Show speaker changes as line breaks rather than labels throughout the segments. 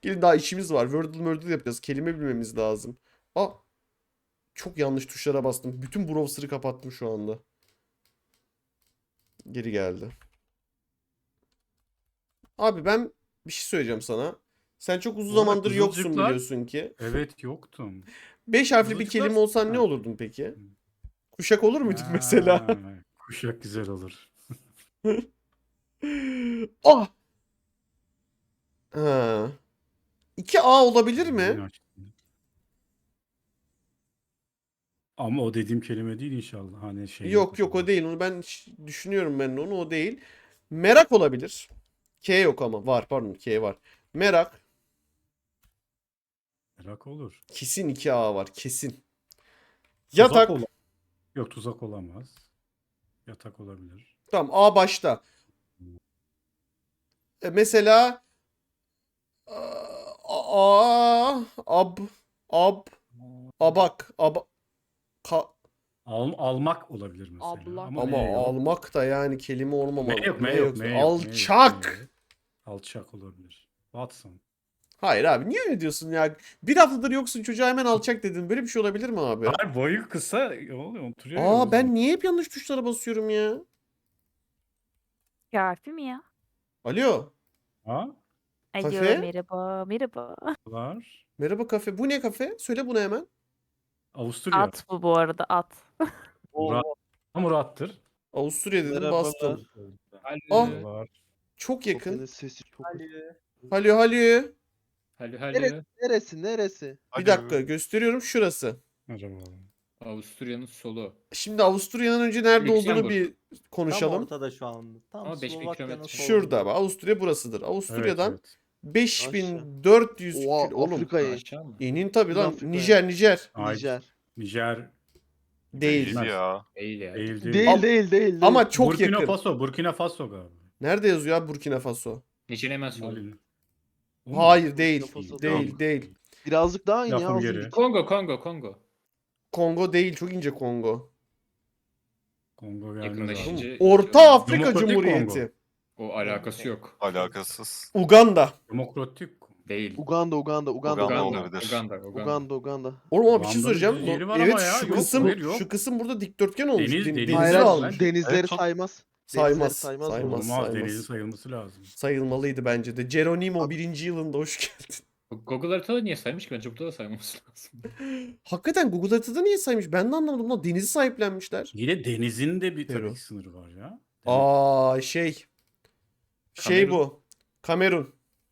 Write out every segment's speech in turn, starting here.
Gelin daha işimiz var. Wordle yapacağız. Kelime bilmemiz lazım. Aa, çok yanlış tuşlara bastım. Bütün browser'ı kapattım şu anda. Geri geldi. Abi ben bir şey söyleyeceğim sana. Sen çok uzun
Bu arada
zamandır yoksun
Kızılcıklar-
biliyorsun ki.
Evet yoktum.
5 harfli bir
Kızılcıklar-
kelime olsan ne
Ha.
olurdun peki? Kuşak olur muydun mesela?
Ha, Kuşak güzel olur.
Ah! Ha. 2A olabilir mi?
Yeni açtım. Ama o dediğim kelime değil inşallah. Hani şey
Yok yok o değil. Onu ben düşünüyorum ben de onu o değil. Merak olabilir. K yok ama var pardon K var. Merak
Merak olur.
kesin 2A var kesin.
Tuzak
Yatak
ola- Yok tuzak olamaz. Yatak olabilir.
tamam A başta. Mesela abak
Almak olabilir mesela.
Ablak.
Ama,
ama
E yok.
almak da yani kelime olmamalı.
M yok,
Ne
M yok,
yoksa-
M yok, M yok,
Alçak.
M yok. Alçak olabilir. Watson.
Hayır abi niye öyle diyorsun ya? Bir haftadır yoksun çocuğa hemen alçak dedin. Böyle bir şey olabilir mi abi?
Hayır boyu kısa oluyor oturuyor. ya o
Aa
yüzden.
ben niye hep yanlış tuşlara basıyorum ya?
Kafi mi ya?
Alo.
Ha?
Alo
Kafe?
merhaba merhaba.
Var.
Merhaba kafe. Bu ne kafe? Söyle bunu hemen.
Avusturya.
At bu arada at.
Murat. Murat'tır.
Avusturya dedim
Merhabalar.
bastım.
Ah.
Ah
Var.
çok yakın.
Sofyanın sesi çok.
Halo halo.
Neresi? Neresi? Neresi?
Bir dakika gösteriyorum şurası.
Acaba.
Avusturya'nın solu.
Şimdi Avusturya'nın önce nerede olduğunu
Lüksemburg.
bir
Tam
konuşalım.
ortada şu anda. Tam
Ama 5000
Slovakya'nın
kilometre.
solunda.
Şurada bak Avusturya burasıdır.
Evet,
Avusturya'dan
evet.
5400
Oha
oğlum.
Afrika'yı.
Aşağı mı?
İnin tabii lan.
Afrika'ya.
Nijer.
Ay,
Nijer.
Nijer.
Değil.
Bilmez.
ya.
Değil ya.
Değil değil.
Değil değil değil.
Ama çok
Burkina
yakın.
Faso. Burkina Faso galiba.
Nerede yazıyor abi Burkina Faso?
Nijer'in hemen solu.
Mali. O mu?
Hayır değil.
Burkina Faso
Değil
Yok.
değil.
Birazcık daha in ya.
Lafım
az
geri.
önce.
Kongo.
Kongo değil. Çok ince Kongo.
Kongo gelmez
Yakınlaşınca-
abi.
Orta Afrika
Demokratik
Cumhuriyeti.
O alakası yok.
Alakasız.
Uganda.
Demokratik.
Değil.
Uganda.
Uganda olabilir.
Uganda.
Oğlum ama bir şey
Uganda'nın
söyleyeceğim.
bir yeri var
Evet
ama ya.
şu
Yok,
kısım
hayır, yok.
şu kısım burada dikdörtgen olmuş.
Deniz- deniz
Denizi
Hayır,
var.
almış.
denizleri
Evet,
saymaz.
Saymaz.
Denizleri saymaz.
Saymaz.
Olmaz.
Olmaz.
saymaz.
Denizin sayılması lazım.
Sayılmalıydı bence de. Geronimo 1. yılında hoş geldin.
Google haritada niye saymış ki? Bence burada da saymaması lazım.
Hakikaten Google haritada niye saymış? Ben de anlamadım lan. Denizi sahiplenmişler.
Yine denizin de bir
Peru.
tabii sınırı var ya.
Aa şey
Kamerun.
bu. Kamerun.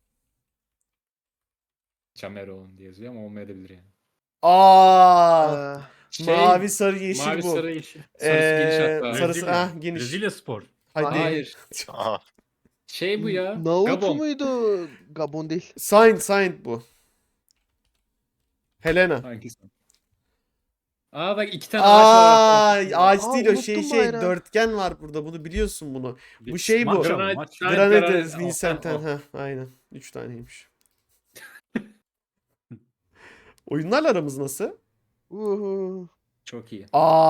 Cameron diye yazıyor ama olmayabilir yani.
Aa
Ee,
mavi sarı yeşil
mavi
bu.
sarı yeşil. Sarısı geniş hatta.
sarısı-
Brezilya.
ah, geniş.
Brezilya spor.
Hadi.
Hayır.
Aha.
Şey bu ya.
Naruto
Gabon.
muydu? Gabon değil.
Saint bu. Helena.
Hangisi? Aa bak 2 tane ağaç var.
Aa ağaç değil o
unuttum
şey
bayrağı.
dörtgen var burada. Bunu biliyorsun bunu.
Bir-
Bu şey bu.
Maç ama,
Granit-
maç.
Granades,
Granit-
Vincent'ten.
Oh, oh.
Ha aynen. 3 taneymiş. Oyunlarla aramız nasıl?
Uhu.
Çok iyi.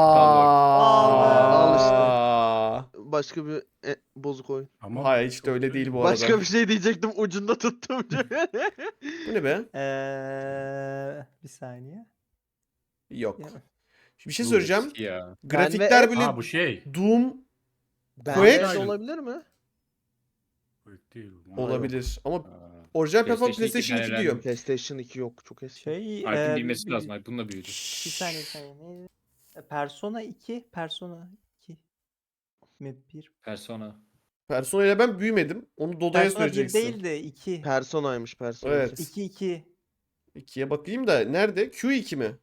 Al
Aa.
Başka bir bozuk oyun.
Ama
Hayır hiç de öyle değil bu arada.
Başka bir şey diyecektim ucunda tuttum.
Bu ne be?
Bir saniye.
Yok.
Ya.
Bir şey söyleyeceğim.
Eski ya.
Grafikler
Ben ve-
böyle
Ha bu şey.
Doom
Bende
Quake-
olabilir mi?
Değil.
olabilir ama
Aa,
orijinal platform
PlayStation
PlayStation 2
iki
diyor.
PlayStation 2 yok. Çok eski.
Şey
Alp'in bilmesi
bir-
lazım. Alp bununla büyüdü.
Bir saniye bir saniye. Neydi? Persona 2. Persona 2. Mi 1?
Persona.
Persona ile ben büyümedim. Onu Dodo'ya
Persona 1
söyleyeceksin.
değil de 2.
Personaymış Persona.
Evet.
2 2.
2'ye bakayım da nerede? Q2 mi?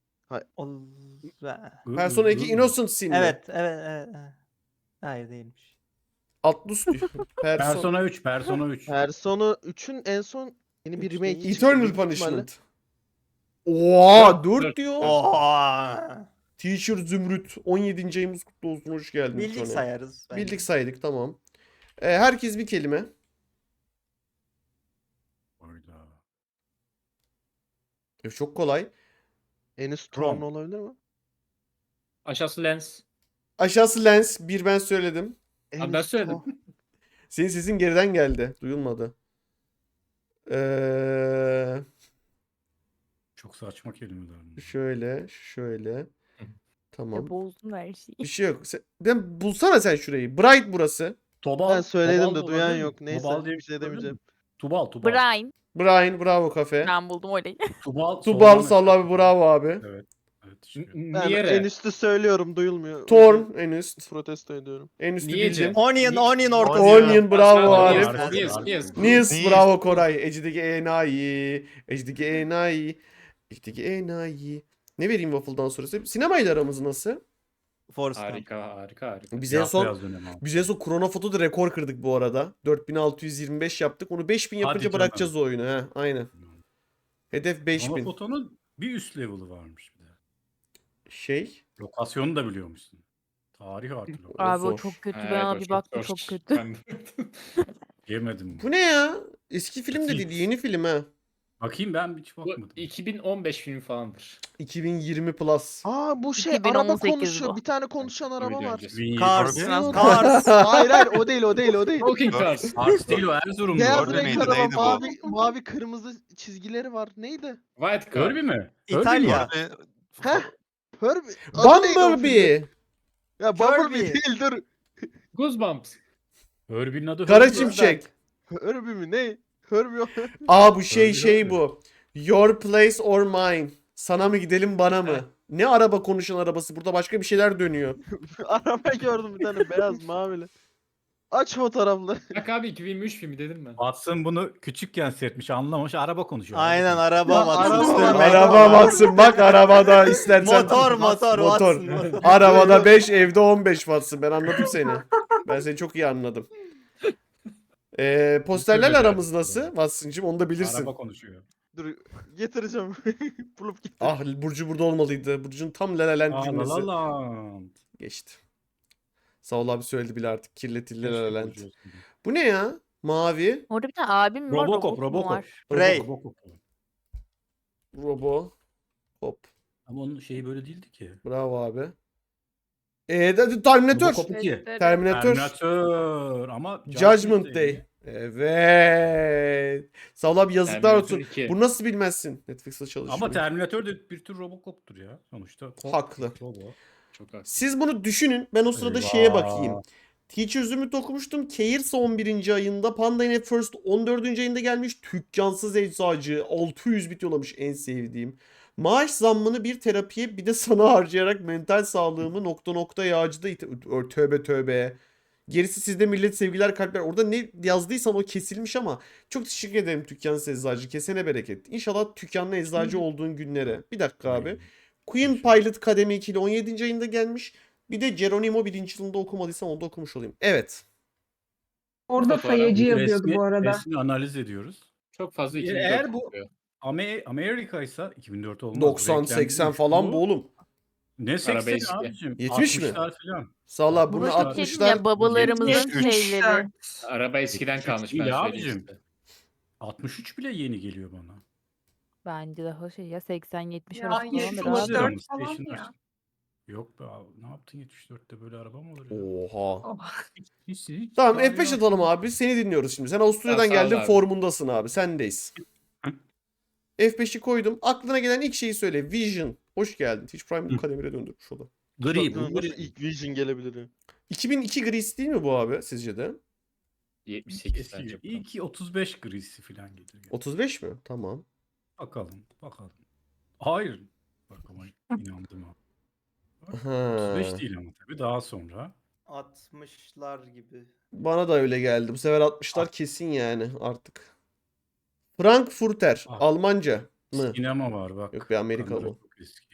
Persona 2 Innocent Sin mi?
Evet. Evet. Hayır değilmiş.
Atlus diyor. Persona.
Persona 3. Persona 3.
Persona 3'ün en son yeni bir
Üç
remake
değil.
çıktı.
Eternal
Büyük ihtimalle-
Punishment. Oha 4
Dört.
diyor.
Oha.
Teacher Zümrüt 17. ayımız kutlu olsun hoş geldin. bir
Bildik
tane.
sayarız. bence.
Bildik saydık tamam. Herkes bir kelime.
Hayda.
Çok kolay.
En üst
Rom.
Tron olabilir mi?
Aşağısı lens.
Aşağısı lens. Bir ben söyledim.
En
Abi ben
üst
söyledim.
Tron.
Senin sesin geriden geldi. Duyulmadı.
Çok saçma kelimeler bunlar.
Şöyle, şöyle. Tamam.
Ya bozdun her şeyi.
Bir şey yok. Ben bulsana sen şurayı. Bright burası.
Tobal.
Ben söyledim
Tobal
de
da
duyan
olabilir mi?
yok. Neyse,
Tobal diye
bir şey
olabilir mi?
demeyeceğim.
Tubal.
Brian.
Brian, bravo kafe.
Ben buldum orayı.
Tubal.
Tubal
soldan
Salla abi
aşağı.
bravo abi.
Evet. Evet. çıkıyor.
Ben
Niye?
en üstü söylüyorum, duyulmuyor.
Torn en üst.
Protesto ediyorum.
En üstü
Niye
bildin.
Cem?
Onion ortası.
Onion bravo
Aşağıda
Arif.
Niye?
Nils
Nils.
bravo Koray. Ecideki enayi. Ecideki enayi. Ecideki enayi. Ne vereyim waffle'dan sonrası? Sinemayla aramız nasıl?
Forrest Gump.
Harika.
Biz en son
Beyaz dönem abi.
Biz en son Chronofoto'da rekor kırdık bu arada. 4625 yaptık. Onu 5000
Hadi
yapınca
canım.
bırakacağız o oyunu. He, aynen. Hedef
Ama
5000.
fotonun bir üst level'ı varmış bir de.
Şey.
Lokasyonu da biliyormuşsun. Tarih artı lokasyon.
Abi o
zor.
çok kötü.
Evet,
Ben
o
abi baktım çok
zor.
kötü.
Yemedim.
Bu ne ya? Eski film de
Fix.
değil. Yeni film ha.
Bakayım ben hiç
Bu
bakmadım.
2015 filmi falandır.
2020 plus.
Aa, bu şey araba
2018
konuşuyor.
bu.
Bir tane konuşan araba
Video
var.
öncesi.
2020.
Cars.
Harbi?
Cars.
Hayır, o değil.
Talking Cars.
Ars değil o Erzurumlu.
Beyaz
Orada
renk
mıydı,
araba,
neydi bu?
mavi kırmızı çizgileri var. Neydi?
White Car.
Herbie mi?
İtalya.
Herbie mi?
Heh. Herbie. Adı neydi o filmin?
Bumblebee.
Ya Bumblebee
Kirby.
değil, dur.
Goosebumps.
Herbie'nin adı
Kara
Herbie.
Şimşek.
Herbie mi? Ne? Herbie.
Aa bu
Herbie.
şey bu. Your place or mine. Sana mı gidelim bana mı? Ne araba konuşan arabası? Burada başka bir şeyler dönüyor.
Araba gördüm, bir tane beyaz mavili. Aç fotoğrafları.
Bak abi 2023 filmi dedim ben.
Watson bunu küçükken seyretmiş, anlamamış, araba konuşuyor.
Aynen araba
Ya,
Watson.
araba-
Sürmek.
Araba baksın bak arabada istersen.
Motor
Motor.
Watson.
Arabada 5 evde 15 Watson. Ben anladım seni. Ben seni çok iyi anladım. Posterlerle aramız nasıl? Watson'cığım onu da bilirsin.
Araba konuşuyor.
Dur, getireceğim. Bulup getir.
Ah Burcu burada olmalıydı. Burcu'nun tam La La Land
Aa,
cümlesi.
La La Land.
Geçti. Sağ ol abi söyledi bile artık. Kirletildi La La
Keşke
Land.
Burcu olsaydı.
Bu ne ya? Mavi.
Orada bir tane abim var.
Robocop,
Robot mu
Robocop.
var?
Ray.
Robocop.
Robo. Hop.
Ama onun şeyi böyle değildi ki.
Bravo abi. Terminator.
Robocop 2.
Terminator.
Terminator. Ama
Judgment Day. Evet. Sağ ol abi yazıklar
Terminator
olsun.
2.
Bunu nasıl bilmezsin? Netflix'te çalışıyor.
Ama Terminator da bir tür Robocop'tur ya sonuçta.
Haklı.
Robo.
Çok haklı.
Siz bunu düşünün. Ben o sırada
Eyvah.
şeye bakayım. Teacher's Ümit okumuştum. Cair's 11. ayında. Panda yine First 14. ayında gelmiş. Tükkansız Eczacı 600 bit yollamış en sevdiğim. Maaş zammını bir terapiye bir de sana harcayarak mental sağlığımı nokta nokta yağcıda tövbe tövbe. Gerisi sizde millet sevgiler kalpler. Orada ne yazdıysan o kesilmiş ama çok teşekkür ederim Tükkansız Eczacı. Kesene bereket. İnşallah Tükkanlı Eczacı olduğun günlere. Bir dakika abi. Queen Pilot Kademi 2 ile 17. ayında gelmiş. Bir de Geronimo 1. yılında okumadıysam onu da okumuş olayım. Evet.
Orada
Fotoğraf.
sayacı yazıyordu bu arada.
Resmi analiz ediyoruz.
Çok fazla
Eğer
2004
bu-
kokuyor.
Amerika ise 2004 olmaz.
90-80 falan bu oğlum.
Ne
Araba
80
eski.
abicim?
70 mi?
60'lar falan.
Sağ ol bunu
Bu
Burada bir şey diyeyim
60'lar.
ya babalarımızın
73.
şeyleri.
Araba eskiden
73
kalmış ben
değil
söyleyeyim
abicim.
size.
63 bile yeni geliyor bana.
Bence daha şey ya 80-70
Ya,
arası
yetmiş
falandır abi.
olabilir. 74 falan
Station'lar.
ya.
Yok be abi, ne yaptın 74'te böyle araba mı olur ya?
Oha.
Oh.
Hiç
Tamam
daha
F5
yok.
atalım abi. Seni dinliyoruz şimdi. Sen Avusturya'dan
Tamam, sağ ol
geldin
abi.
formundasın abi. Sendeyiz.
Hı.
F5'i koydum. Aklına gelen ilk şeyi söyle. Vision. Hoş geldin. Teach Prime
Hı.
kademire döndürmüş o da.
Gri bu.
Nasıl ilk Vision gelebilir ya?
2002 Gris değil mi bu abi sizce de?
78 bence. bu.
İyi ki 35 grisi falan gelir. Yani.
35 mi? Tamam.
Bakalım. Hayır. Bak ama inandım ha.
Ha.
35 değil ama tabii daha sonra.
60'lar gibi.
Bana da öyle geldi. Bu sefer 60'lar kesin yani artık. Frankfurter.
Ah.
Almanca mı?
Sinema var bak.
Yok be, Amerikalı
Kamera
o.
çok eski.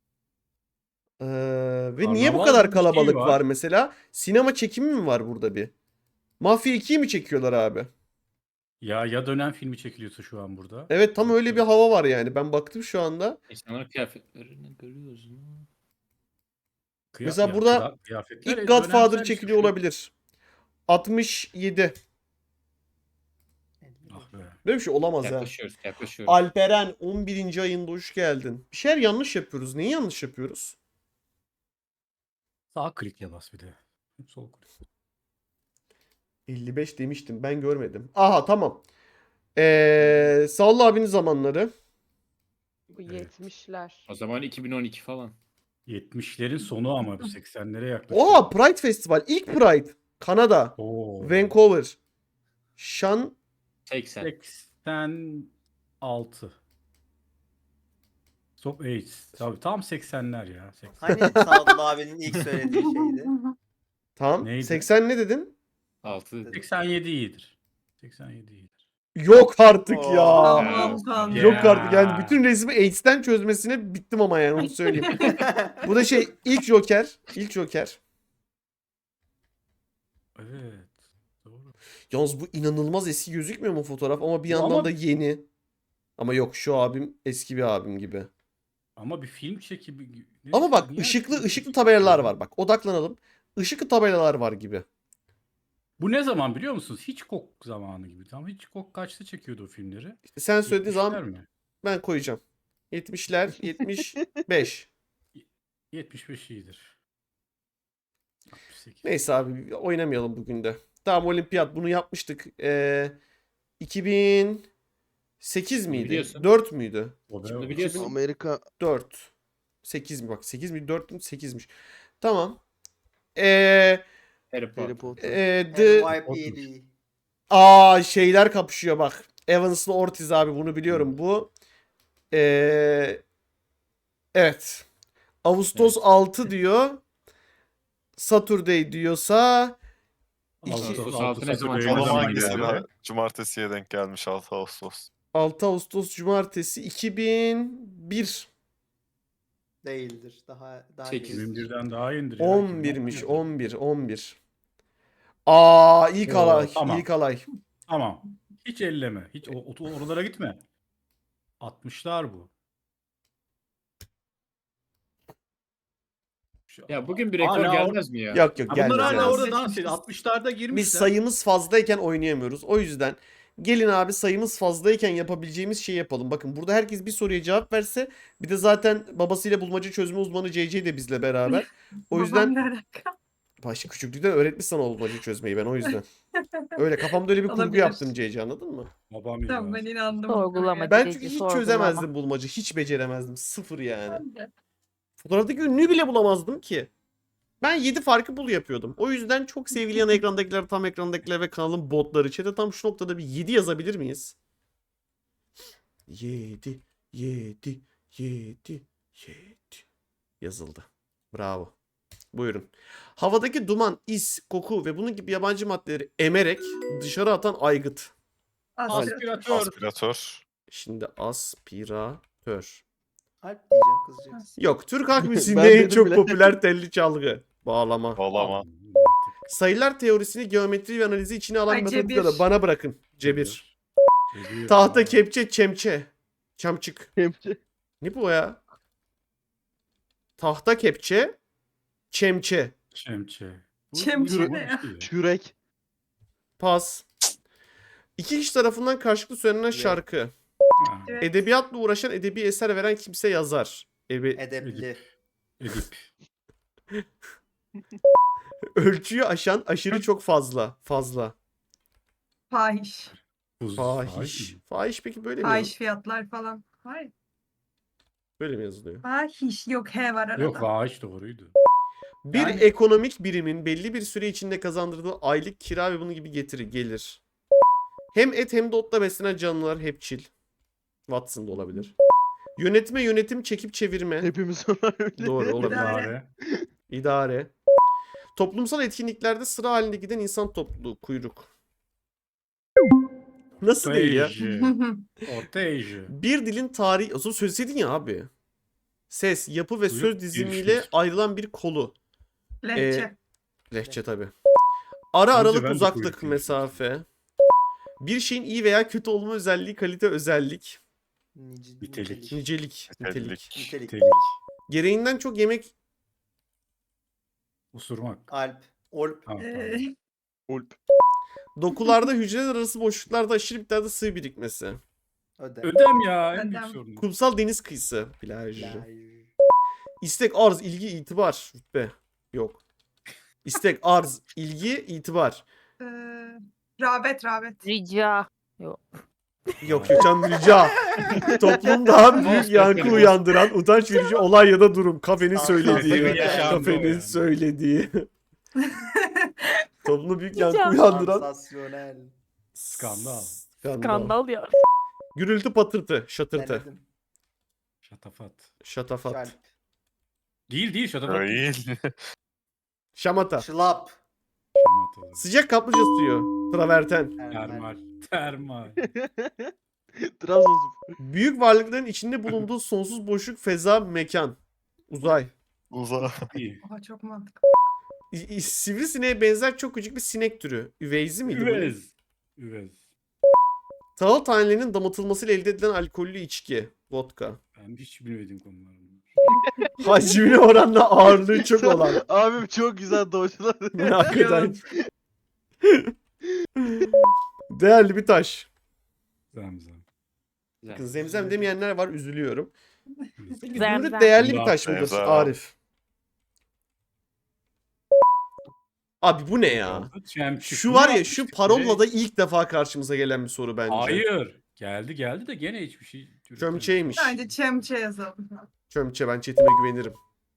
Ve niye bu
Karnaval
kadar
gibi bir şey
kalabalık
var.
var mesela? Sinema çekimi mi var burada bir? Mafya 2'yi mi çekiyorlar abi?
Ya dönem filmi çekiliyorsa şu an burada.
Evet tam öyle bir hava var yani. Ben baktım şu anda.
İnsanların kıyafetlerini görüyoruz mu?
Mesela burada
kıyafetler
İlk Godfather
dönemsel
çekiliyor
işte.
olabilir. 67.
Ah be.
Böyle bir şey olamaz ha.
Yaklaşıyoruz.
Alperen 11. ayında hoş geldin. Bir şeyler yanlış yapıyoruz. Neyi yanlış yapıyoruz?
Sağ klikle bas bir de. Sol klik.
55 demiştim. Ben görmedim. Aha tamam. Salla abinin zamanları.
Bu
Evet.
70'ler.
O zaman 2012 falan.
70'lerin sonu ama bu 80'lere yaklaşıyor.
Oo, Pride Festival. İlk Pride. Kanada.
Oo.
Vancouver. Şan
80.
86. Stop AIDS. Tabii tam 80'ler ya. 80.
Hani Sadullah abinin ilk söylediği şeydi.
Tamam.
Neydi?
80 ne dedin?
6.
87 iyidir. 87 iyidir.
Yok artık ya.
Allah'ım Tanrım.
Yok
Ya.
artık. Yani bütün resmi AIDS'ten çözmesine bittim ama yani onu söyleyeyim. Bu da şey ilk Joker. İlk Joker.
Evet. Doğru.
Yalnız bu inanılmaz eski gözükmüyor mu fotoğraf ama bir
Ama-
yandan da yeni. Ama yok şu abim eski bir abim gibi.
Ama bir film çekimi.
Ama bak
Niye
ışıklı
film
ışıklı
çekimi
tabelalar
yapıyor?
var bak. Odaklanalım. Işıklı tabelalar var gibi.
Bu ne zaman biliyor musunuz? Hitchcock zamanı gibi. Tam Hitchcock kaçta çekiyordu o filmleri?
İşte sen söylediğin
70'ler
zaman
mi?
ben koyacağım. 70'ler, 75.
75 iyidir. 68.
Neyse abi oynamayalım bugün de. Tamam olimpiyat bunu yapmıştık. 2008 miydi?
Biliyorsun.
4 müydü?
O
Şimdi
be-
biliyorsun.
Amerika
4. 8 mi bak 8 mi 4 mü 8'miş. Tamam. Ee,
Harry Potter.
Harry Potter.
NYPD.
Şeyler kapışıyor bak. Evans'la Ortiz abi bunu biliyorum. Bu evet. Ağustos 6 diyor. Saturday diyorsa
Ağustos
Altı
6 ne zaman?
Saturday
O
ne
zaman
zaman
hangisi?
geliyor?
Cumartesiye denk gelmiş 6 Ağustos.
6 Ağustos Cumartesi 2001.
Değildir. Daha
8.
iyidir.
2001'den daha indir ya.
11'miş
2011.
11. İlk
Oo,
alay.
tamam.
İlk alay.
Tamam. Hiç elleme. Hiç oralara gitme. 60'lar bu.
Ya bugün bir rekor
Hala
gelmez mi ya?
Yok yok
Ha,
gelmez.
bunlar hala
gelmez.
orada dans ediyor. 60'larda girmişler.
Biz sayımız fazlayken oynayamıyoruz. O yüzden gelin abi sayımız fazlayken yapabileceğimiz şeyi yapalım. Bakın burada herkes bir soruya cevap verse bir de zaten babasıyla bulmaca çözme uzmanı CC de bizle beraber. O yüzden
Babam ne alaka?
başta küçüklükten öğretmiş sana o bulmaca çözmeyi ben o yüzden. Öyle kafamda öyle bir kurgu
Olabilir.
yaptım CC anladın mı?
Babam
Tamam
ya.
ben inandım.
Sorgulama.
Ben
CC,
çünkü hiç
sorgulama.
çözemezdim bulmaca. Hiç beceremezdim. Sıfır yani.
Ben de.
Fotoğraftaki ünlüyü bile bulamazdım ki. Ben 7 farkı bul yapıyordum. O yüzden çok sevgili yan ekrandakiler, tam ekrandakiler ve kanalın botları chat'e tam şu noktada bir 7 yazabilir miyiz? 7, 7, 7, 7 yazıldı. Bravo. Buyurun. Havadaki duman, is, koku ve bunun gibi yabancı maddeleri emerek dışarı atan aygıt.
Aspiratör.
Aspiratör.
Şimdi aspiratör.
Alp diyeceğim kızacaksın.
Yok, Türk halk
Ben
müziğinde en
dedim
çok
bile.
popüler telli çalgı. Bağlama.
Bağlama.
Sayılar teorisini, geometri ve analizi içine alan
Ay,
matematikleri
cebir.
bana bırakın. Cebir.
Cebir.
Tahta, kepçe, çemçe. Çamçık.
Kepçe.
Ne bu ya? Tahta, kepçe, çemçe.
Çemçe. Bu
Çemçe
yürü-
ne ya?
Kürek.
Pas. İki kişi tarafından karşılıklı söylenen şarkı.
Ha,
Evet.
Edebiyatla uğraşan, edebi eser veren kimse yazar.
Edepli.
Edip.
Ölçüyü aşan, aşırı çok fazla. Fazla.
Fahiş.
Fahiş.
mi?
Fahiş peki böyle mi?
Fahiş fiyatlar falan. Hayır.
Böyle mi yazılıyor?
Fahiş. Yok he var arada.
Yok fahiş doğruydu.
Bir
Yani-
ekonomik birimin belli bir süre içinde kazandırdığı aylık kira ve bunun gibi getiri gelir. Hem et hem de otla beslenen canlılar hepçil. Watson da olabilir. Yönetme, yönetim, çekip çevirme.
Hepimiz ona öyle.
Doğru olabilir.
İdare.
İdare. Toplumsal etkinliklerde sıra halinde giden insan topluluğu. Kuyruk. Nasıl değil ya?
Ortayıcı. Ortayıcı.
Bir dilin tarihi... Aslında söyleseydin ya abi. Ses, yapı ve
Kuyruk
söz
bir
dizimiyle
fiil.
ayrılan bir kolu.
Lehçe.
Lehçe tabii. Ara
Önce
aralık
ben de
uzaklık
kuyruk diye
mesafe. Bir şeyin iyi veya kötü olma özelliği, kalite, özellik.
Nitelik.
Nicelik. Nitelik.
Nitelik.
Nitelik.
Nitelik.
Gereğinden çok yemek...
Usurmak.
Alp. Olp.
Ha,
Ee,
pardon.
Ulp.
Dokularda hücreler arası boşluklarda aşırı miktarda sıvı birikmesi.
Öde.
Ödem ya. En büyük
Ödem.
sorun.
Kumsal deniz kıyısı. Plaj.
Plaj.
İstek, arz, ilgi, itibar. Rütbe. Yok. İstek, arz, ilgi, itibar.
rağbet.
Rica.
Yok yok canım rica. Toplumda büyük
Most
yankı
definitely.
uyandıran utanç verici olay ya da durum. Kafenin
Sansasyonel
söylediği.
yaşandı o
Kafenin
yani.
söylediği. Toplumda büyük yankı
Can-
uyandıran.
Sansasyonel.
Skandal.
Skandal ya.
Gürültü patırtı. Şatırtı.
Denedim.
Şatafat.
Şatafat.
Şalp.
Değil şatafat.
Değil.
Şamata.
Şılap.
Şamata.
Sıcak kaplıca suyu. Traverten.
Termal. Termal.
Trabzonspor.
Büyük varlıkların içinde bulunduğu sonsuz boşluk, feza, mekan. Uzay.
Uza.
İyi.
Oha çok mantıklı.
Sivrisineğe benzer çok küçük bir sinek türü. Üveyzi miydi bu?
Üvez. Üvez.
Tahıl tanelerinin damıtılmasıyla elde edilen alkollü içki. Vodka.
Ben hiç bilmediğim konular bunlar.
Hacmine oranla ağırlığı çok olan.
Abim çok güzel doğuşlar.
Hakikaten. Değerli bir taş.
Zemzem.
Zemzem demeyenler var, üzülüyorum. Peki
Zemzem.
zümrüt değerli bir
Zümrüt
taş mıdır
Zemzem.
Arif? Abi bu ne ya?
Çemçük.
Şu
Bunu
var ya,
yapmıştık
şu
direkt.
parolla da ilk defa karşımıza gelen bir soru bence.
Hayır. Geldi de gene hiçbir şey. üretemedik.
Çömçeymiş.
Bence çemçe yazalım.
Çömçe, ben chatime güvenirim.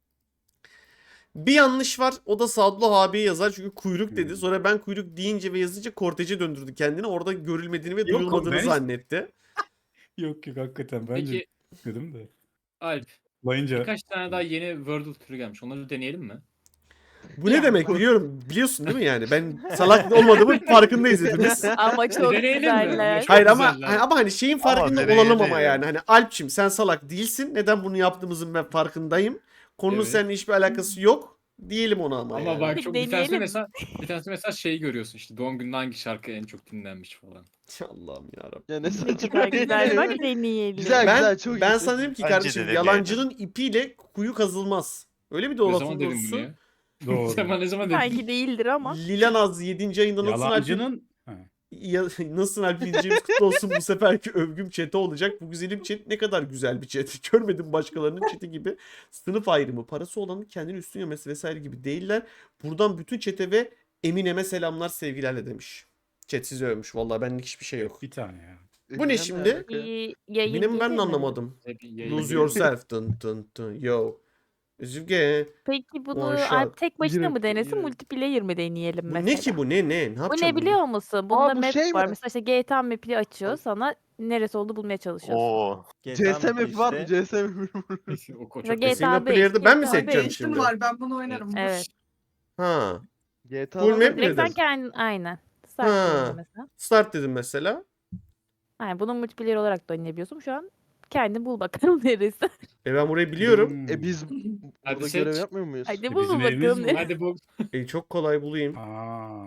Bir yanlış var. O da Sadullah abiye yazar çünkü kuyruk dedi. Sonra ben kuyruk deyince ve yazınca kortece döndürdü kendini. Orada görülmediğini ve
Yok,
duyulmadığını
ben-
zannetti.
Yok hakikaten bence
Peki
dedim de.
Alp
Layınca
birkaç tane daha yeni Wordle türü gelmiş. Onları deneyelim mi?
Bu ne demek biliyorsun değil mi yani? Ben salak olmadığımın farkındayız hepimiz.
Ama çok
Deneyelim mi?
güzeller.
Çok
Hayır ama
güzeller.
hani şeyin
Ama
farkında
deneyelim
olalım ama
ya.
yani. Hani Alpçim sen salak değilsin. Neden bunu yaptığımızın ben farkındayım. Konunun
Evet.
seninle hiçbir alakası yok. Diyelim ona ama
Ama
yani.
bak çok bir tanesi
Deneyelim.
mesela şeyi görüyorsun işte doğum gününde hangi şarkı en çok dinlenmiş falan.
Allah'ım yarabbim.
Ya ne
Ne
saçma.
kadar güzel. Bak deneyelim.
Güzel.
Ben,
çok
ben
iyi.
sana dedim ki
Bence
kardeşim
de
yalancının ipiyle kuyu kazılmaz. Öyle mi de o
Ne
lafın
zaman dedim bunu
doğrusu?
ya?
doğru.
Sen ne zaman dedin?
Belki değildir ama.
Lilanaz 7. ayında nasılsın Alp'im?
Yalancının Ha.
Nasılsın Alp diyeceğimiz kutlu olsun. Bu seferki övgüm chat'e olacak. Bu güzelim chat ne kadar güzel bir chat. Görmedim başkalarının chat'i gibi. Sınıf ayrımı, parası olanın kendini üstün görmesi vesaire gibi değiller. Buradan bütün chat'e ve Eminem'e selamlar sevgilerle demiş. Chat sizi övmüş. Vallahi benlik hiçbir şey yok.
bir tane ya.
Bu ne şimdi?
Bir yayın
Eminem'i ben
gelir
de
mi?
anlamadım.
Bir yayın
Lose
görüyorsun.
yourself. Dın dın dın. Yo. Üzüge.
Peki bunu
One shot.
Alp tek başına
Direkt,
mı denesin,
direkt.
multiplayer mi deneyelim
Bu
mesela?
ne ki bu? Ne? Ne
Bu
yapacağım
ne
bunu?
biliyor musun? Bunda
bu
map
şey
var.
mi?
Mesela işte GTA map'i açıyor sana neresi olduğunu bulmaya çalışıyorsun.
Oo.
CSM map var mı? CSM map.
O
Mesela
çok
GTA
single
5,
player'da ben mi
GTA
seçeceğim
5.
şimdi?
var ben bunu oynarım.
Evet.
Ha.
GTA
Full map
Direkt sen
nedir?
kendin aynen. Start
Ha.
diyorsun mesela.
Start dedim mesela.
Aynen bunu multiplayer olarak da oynayabiliyorsun. Şu an kendin bul bakalım neresi.
Ben burayı biliyorum.
Hmm.
Biz
Hadi
burada
seç.
görev yapmıyor muyuz?
Hadi
Bizim
bul
evimiz
bakalım
bu.
neresi.
Hadi bu.
Çok kolay bulayım.
Aa.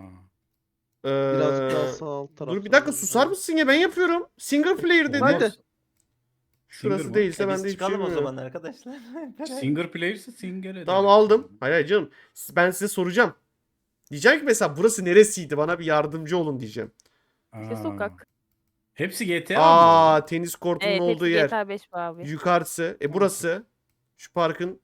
Birazcık daha
Ee,
sağ alt tarafta.
Dur bir dakika susar mısın ya, ben yapıyorum. Single player dedi.
Hadi.
Şurası
Singer
değilse
E
ben
biz
de hiçbir şey
çıkalım o
bilmiyorum.
zaman arkadaşlar.
Singer player'sı singer eder.
Tamam aldım. Hayır hayır canım. Ben size soracağım. Diyeceğim ki mesela burası neresiydi, bana bir yardımcı olun diyeceğim.
İşte
Aa.
sokak.
Hepsi GTA mı?
Aa, tenis kortunun
Evet,
olduğu
hepsi
yer.
GTA 5 bu abi.
Yukarısı. Burası. Şu parkın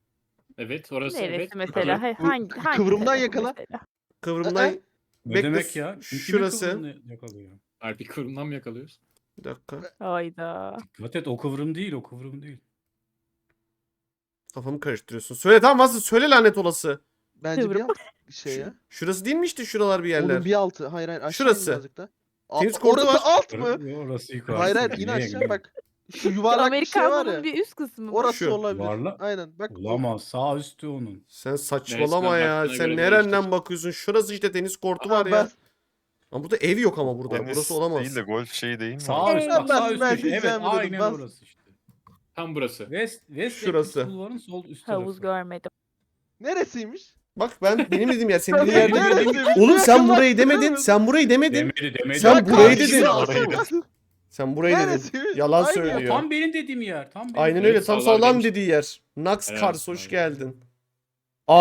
Evet orası
Neresi
evet.
mesela?
Yukarı.
Hangi
kıvrımdan
tarafı
yakala.
mesela?
kıvrımdan.
Ne
Bekle,
demek ya?
şurası.
Kıvrımını yakalıyor.
Alp bir kıvrımdan mı yakalıyoruz?
Bir dakika.
Hayda.
Dikkat et, o kıvrım değil, o kıvrım değil.
Kafamı karıştırıyorsun. Söyle tamam, nasıl? Söyle lanet olası.
Bence bir
Kıvrım.
alt şey ya.
Şurası değil mi işte şuralar bir yerler?
Onun bir altı. Hayır hayır aşağı
Şurası.
in birazcık da.
Tenis kortu
Orası
var.
alt mı?
Orası yukarı.
Hayır hayır in aşağı bak. Şu yuvarlak bir şey var
Amerikan'ın
ya.
bir üst kısmı. bu.
Orası
Şu.
olabilir.
Yuvarlak.
Aynen bak.
Olamaz, sağ üstü onun.
Sen saçmalama
Neresinden
ya.
baktığına
Sen
göre
nereden
değiştir.
bakıyorsun? Şurası işte tenis kortu
Aha,
var ya. Ama burada ev yok ama burada.
Tenis
Burası olamaz.
değil de golf şeyi değil mi?
Sağ üst, bak
Ben-
sağ üst
ben
köşe. Evet,
diyeceğim dedim,
aynen
bas.
orası işte.
Tam burası.
West
Şurası.
Atlantic Bulvar'ın sol üst
Havuz
tarafı.
görmedim.
Neresiymiş?
Bak benim dediğim yer. Senin
Ben
dediğin yer değil.
neresiymiş?
Oğlum sen
Yakınlaştırıyor
burayı demedin.
musun?
Sen burayı demedin.
Demedi.
Sen
Ya
burayı
kardeşim,
dedin.
Orayı
Sen burayı dedin.
Neresiymiş?
Yalan
Aynı
söylüyor.
Tam benim dediğim yer. Tam benim
Aynen
dediğim
öyle.
yer.
Tam
Sağlar
sağlam
demiş.
dediği yer. Nax
Evet,
Kars hoş
evet.
geldin.
Hmm,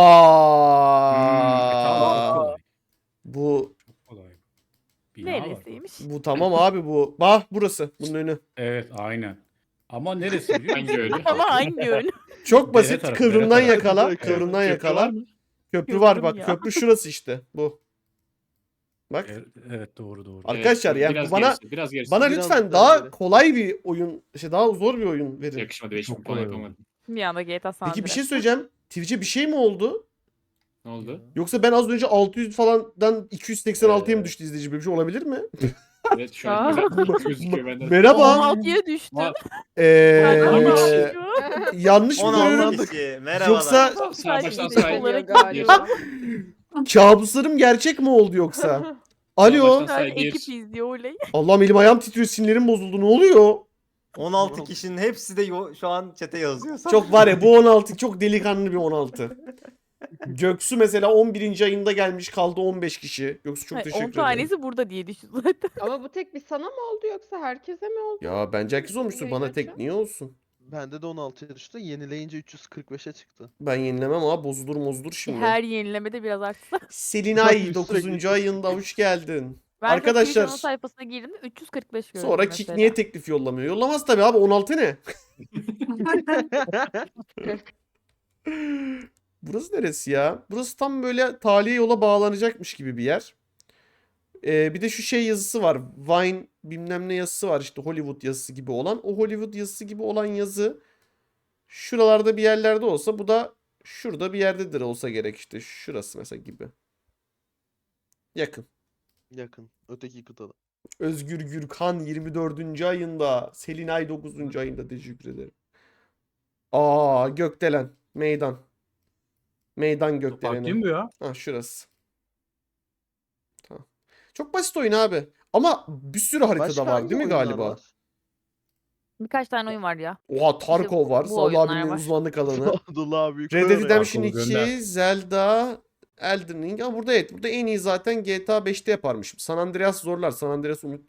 tamam,
Aa.
çok kolay.
Bu
Çok kolay. Bina var.
Neresiymiş?
bu tamam abi bu. Bah burası. Bunun önü.
Evet, aynen. Ama neresi biliyor musun?
Hangi öyle?
Ama hangi yön?
Çok
Dere
basit.
tarafı,
Kıvrımdan
dere tarafı.
yakala.
Evet.
Kıvrımdan
Köprü
yakala.
var mı?
Köprü var
Köprü
bak.
ya.
Köprü şurası işte. Bu. Bak.
Evet doğru doğru.
Arkadaşlar ya
biraz
bu bana
gerisi, biraz gerisi.
bana
Biraz
lütfen
daha
daha
geri.
kolay bir oyun, daha zor bir oyun verin.
Yakışmadı 5
Çok
puan
kolay
yapamadım.
Bir anda GTA San
Peki bir
Andreas.
şey söyleyeceğim. Twitch'e bir şey mi oldu?
Ne oldu?
Yoksa ben az önce 600 falandan 286'ya mı düştü izleyici? Böyle bir şey olabilir mi?
Evet şu an güzel gözüküyor benden.
Merhaba.
16'ya düştü.
Ama-
Eee yanlış mı
16
görüyorum?
kişi. Merhabalar.
Yoksa
Sağ baştan
Sadece
say.
olarak
galiba.
kabuslarım gerçek mi oldu yoksa? Alo.
baştan-
Şu an
Say bir.
ekip izliyor oley.
Allah'ım elim ayağım titriyor, sinirlerim bozuldu. Ne oluyor?
16 kişinin hepsi de şu an çete yazıyor.
Çok var ya, bu 16 çok delikanlı bir 16. Göksu mesela 11. ayında gelmiş, kaldı 15 kişi. Göksu çok
Hayır,
teşekkür
10
ederim.
tanesi burada diye düşün zaten.
Ama bu tek bir sana mı oldu yoksa herkese mi oldu?
Ya bence herkes olmuştur.
Yayın
Bana tek
açan.
niye olsun?
Bende de 16'ya düştü. Yenileyince 345'e çıktı.
Ben yenilemem ama bozulur şimdi.
Her yenilemede biraz artsa.
Selinay
Sürekli
9. ayında hoş geldin.
Ben
Arkadaşlar,
Twitch ana sayfasına girdim 345 gördüm
Sonra
mesela.
Kik niye teklif yollamıyor? Yollamaz tabii abi, 16 ne? Burası neresi ya? Burası tam böyle taliye yola bağlanacakmış gibi bir yer. Bir de şu şey yazısı var. Vine bilmem ne yazısı var, işte Hollywood yazısı gibi olan. O Hollywood yazısı gibi olan yazı şuralarda bir yerlerde olsa, bu da şurada bir yerdedir olsa gerek işte. Şurası mesela gibi. Yakın.
Yakın. Öteki kıtada.
Özgür Gürkan 24. ayında. Selinay 9. ayında, teşekkür ederim. Aa, Gökdelen. Meydan. Meydan
Fark
Gökdelen'e.
değil mi bu ya?
Ha, şurası. Tamam. Çok basit oyun abi. Ama bir sürü haritada
Başka
var
hangi
değil mi
oyunlar
galiba?
var?
Birkaç tane oyun var ya.
Oha, Tarkov var.
bu
Salih
oyunlar
abinin
var.
uzmanlık alanı.
Abdullah büyük
Red Dead
koyar ya.
Redemption
Tarkov'u
2,
gönder.
Zelda, Elden Ring. Ama burada evet. Burada en iyi zaten GTA 5'te yaparmışım. San Andreas zorlar. San Andreas unut.